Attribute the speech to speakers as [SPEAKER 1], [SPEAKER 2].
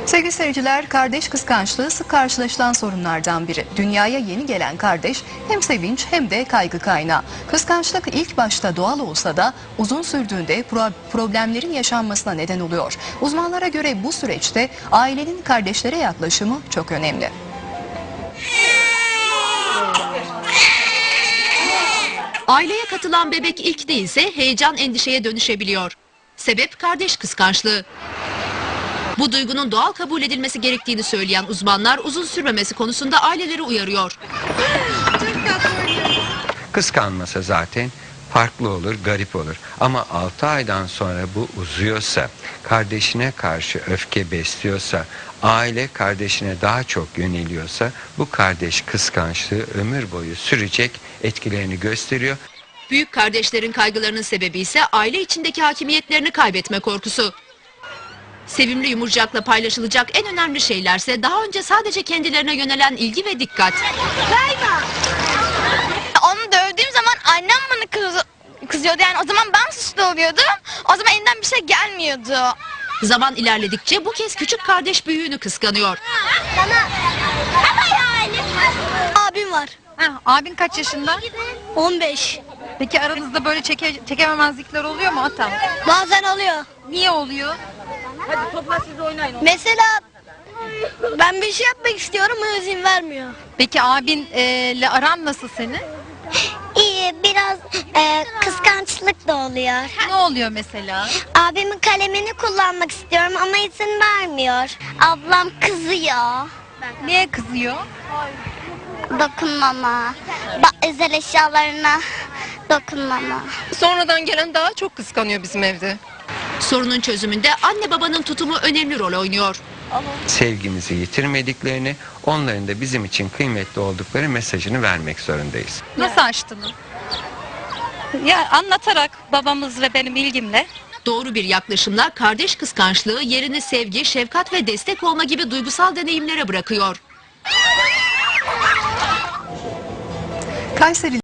[SPEAKER 1] Sevgili seyirciler, kardeş kıskançlığı sık karşılaşılan sorunlardan biri. Dünyaya yeni gelen kardeş hem sevinç hem de kaygı kaynağı. Kıskançlık ilk başta doğal olsa da uzun sürdüğünde problemlerin yaşanmasına neden oluyor. Uzmanlara göre bu süreçte ailenin kardeşlere yaklaşımı çok önemli.
[SPEAKER 2] Aileye katılan bebek ilk değilse heyecan endişeye dönüşebiliyor. Sebep kardeş kıskançlığı. Bu duygunun doğal kabul edilmesi gerektiğini söyleyen uzmanlar uzun sürmemesi konusunda aileleri uyarıyor.
[SPEAKER 3] Kıskanmasa zaten farklı olur, garip olur. Ama 6 aydan sonra bu uzuyorsa, kardeşine karşı öfke besliyorsa, aile kardeşine daha çok yöneliyorsa bu kardeş kıskançlığı ömür boyu sürecek, etkilerini gösteriyor.
[SPEAKER 2] Büyük kardeşlerin kaygılarının sebebi ise aile içindeki hakimiyetlerini kaybetme korkusu. Sevimli yumurcakla paylaşılacak en önemli şeylerse daha önce sadece kendilerine yönelen ilgi ve dikkat.
[SPEAKER 4] Onu dövdüğüm zaman annem bana kızıyordu, yani o zaman ben suçlu oluyordum. O zaman elinden bir şey gelmiyordu.
[SPEAKER 2] Zaman ilerledikçe bu kez küçük kardeş büyüğünü kıskanıyor.
[SPEAKER 5] Abim var.
[SPEAKER 6] Abin kaç yaşında?
[SPEAKER 5] 15.
[SPEAKER 6] Peki aranızda böyle çekememezlikler oluyor mu Ata?
[SPEAKER 5] Bazen oluyor.
[SPEAKER 6] Niye oluyor?
[SPEAKER 5] Mesela ben bir şey yapmak istiyorum, o izin vermiyor.
[SPEAKER 6] Peki abinle aran nasıl senin?
[SPEAKER 7] İyi, biraz kıskançlık da oluyor.
[SPEAKER 6] Ne oluyor mesela?
[SPEAKER 7] Abimin kalemini kullanmak istiyorum ama izin vermiyor. Ablam kızıyor.
[SPEAKER 6] Niye kızıyor?
[SPEAKER 7] Dokunmama. Özel eşyalarına dokunmama.
[SPEAKER 8] Sonradan gelen daha çok kıskanıyor bizim evde.
[SPEAKER 2] Sorunun çözümünde anne babanın tutumu önemli rol oynuyor.
[SPEAKER 3] Sevgimizi yitirmediklerini, onların da bizim için kıymetli oldukları mesajını vermek zorundayız.
[SPEAKER 6] Nasıl açtınız?
[SPEAKER 9] Ya anlatarak, babamız ve benim ilgimle.
[SPEAKER 2] Doğru bir yaklaşımla kardeş kıskançlığı yerini sevgi, şefkat ve destek olma gibi duygusal deneyimlere bırakıyor.
[SPEAKER 1] Kayseri